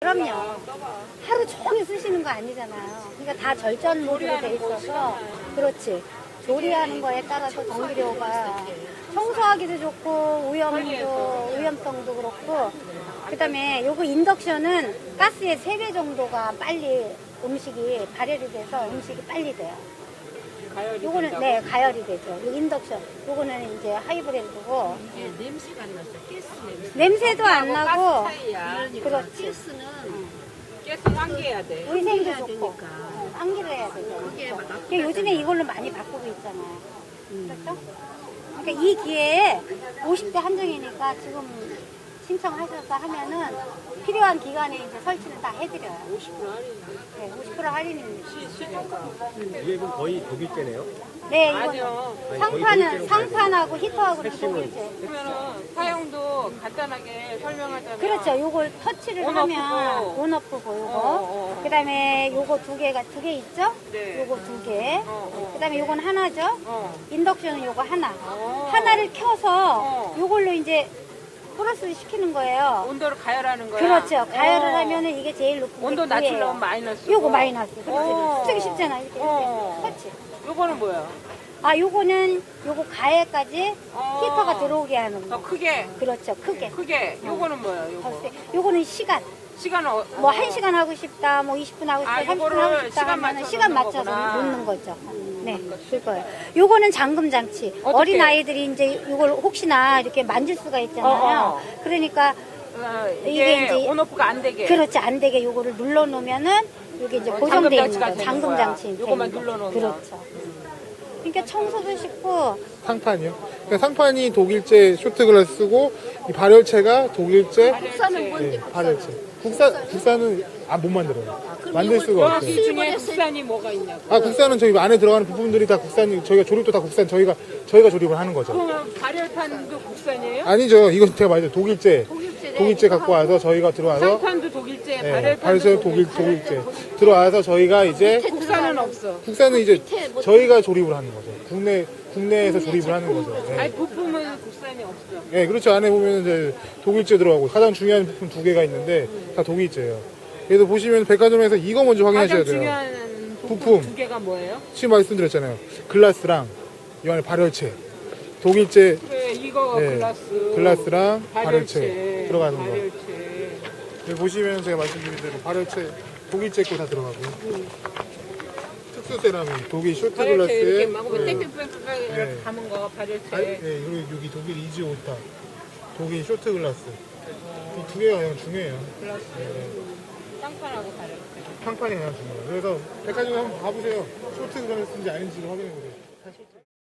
그럼요. 하루 종일 쓰시는 거 아니잖아요. 그러니까 다 절전 모드로 돼 있어서 그렇지. 조리하는 거에 따라서 전기료가 청소하기도 좋고 오염성도 그렇고 그다음에 요거 인덕션은 가스의 3배 정도가 빨리 음식이 발열이 돼서 음식이 빨리 돼요. 요거는 네 가열이 되죠. 요 인덕션 요거는 이제 하이브랜드고 이게 냄새가 안 나서 가스 냄새. 냄새도 안 나고 그러니까 그렇지. 가스는 가스 환기해야 돼. 위생도 해야 좋고 되니까. 환기를 해야 되죠. 그게 막 그러니까 요즘에 이걸로 많이 바꾸고 있잖아요. 그렇죠? 그러니까 이 기회에 50대 한정이니까 지금 신청하셔서 하면은 필요한 기간에 이제 설치는 다 해드려요. 50% 할인. 네, 50% 할인입니다. 이게 그럼 거의 독일제네요? 네, 이거는 아니요. 상판하고 히터하고는 독일제. 그러면은 사용도 간단하게 설명하자면. 그렇죠. 요걸 터치를 하면 온오프고 요거. 그다음에 요거 두 개 있죠? 네. 요거 2개. 그다음에 요건 하나죠? 인덕션은 요거 하나. 어. 하나를 켜서 요걸로 이제 플러스를 시키는 거예요. 온도를 가열하는 거야. 그렇죠. 가열을 하면은 이게 제일 높은 게 온도 9예요. 낮추려면 마이너스. 요거 마이너스. 그렇지. 쓰기 쉽잖아. 이렇게. 어. 그렇지. 요거는 뭐야? 아, 요거는 요거 가열까지 어. 히터가 들어오게 하는 더 거. 크게. 그렇죠. 크게. 크게. 요거는 뭐야? 더 요거. 세. 요거는 시간. 시간은 뭐 1시간 하고 싶다, 뭐 20분 하고 싶다, 30분 요거를 하고 싶다 시간 하면 맞춰서 시간 놓는 맞춰서 거구나. 놓는 거죠. 네, 그거예요. 요거는 잠금 장치. 어떻게? 어린 아이들이 이제 이걸 혹시나 이렇게 만질 수가 있잖아요. 그러니까 이게 이게 이제 온오프가 안 되게. 그렇지 안 되게 요거를 눌러 놓으면은 이게 이제 고정돼 있는 거예요. 잠금 장치. 요거만 눌러놓으면. 그렇죠. 그러니까 청소도 쉽고 상판이요? 그러니까 상판이 독일제 쇼트글라스고 이 발열체가 독일제 국산은 뭔데? 발열체. 국산은 못 만들어요. 만들 수가 여기 없어요. 중에 국산이 뭐가 있냐고. 국산은 저희 안에 들어가는 부품들이 다 국산이 저희가 조립도 다 국산 저희가 조립을 하는 거죠. 그러면 발열판도 국산이에요? 아니죠. 이건 제가 말했죠. 독일제 갖고 와서 저희가 들어와서 상판도 독일제, 네, 발열판도 발열체 독일제 들어와서 저희가 이제 국산은 없어. 국산은 이제 저희가 조립을 하는 거죠. 국내에서 조립을 하는 거죠. 네. 아니 부품은 국산이 없어. 네, 그렇죠. 안에 보면 이제 독일제 들어가고 가장 중요한 부품 2개가 있는데 다 독일제예요. 그래서 보시면 백화점에서 이거 먼저 확인하셔야 가장 돼요. 중요한 부품. 두 개가 뭐예요? 지금 말씀드렸잖아요. 글라스랑 이 안에 발열체, 독일제 그래 이거 네, 글라스랑 발열체 들어가는 거. 발열체. 여기 보시면 제가 말씀드린 대로 발열체 독일제 거 다 들어가고 특수 세라믹 독일 쇼트 발열체 이렇게 글라스에 막 땡땡땡땡 이렇게 감은 거 발열체. 네, 그리고 여기 독일 이지 오타 독일 쇼트 글라스 이 2개가 가장 중요해요. 글라스. 쌍판하고 발열체. 상판이 가장 중요해요. 그래서 백화점에 한번 가보세요. 쇼트 글라스인지 아닌지 확인해 보세요.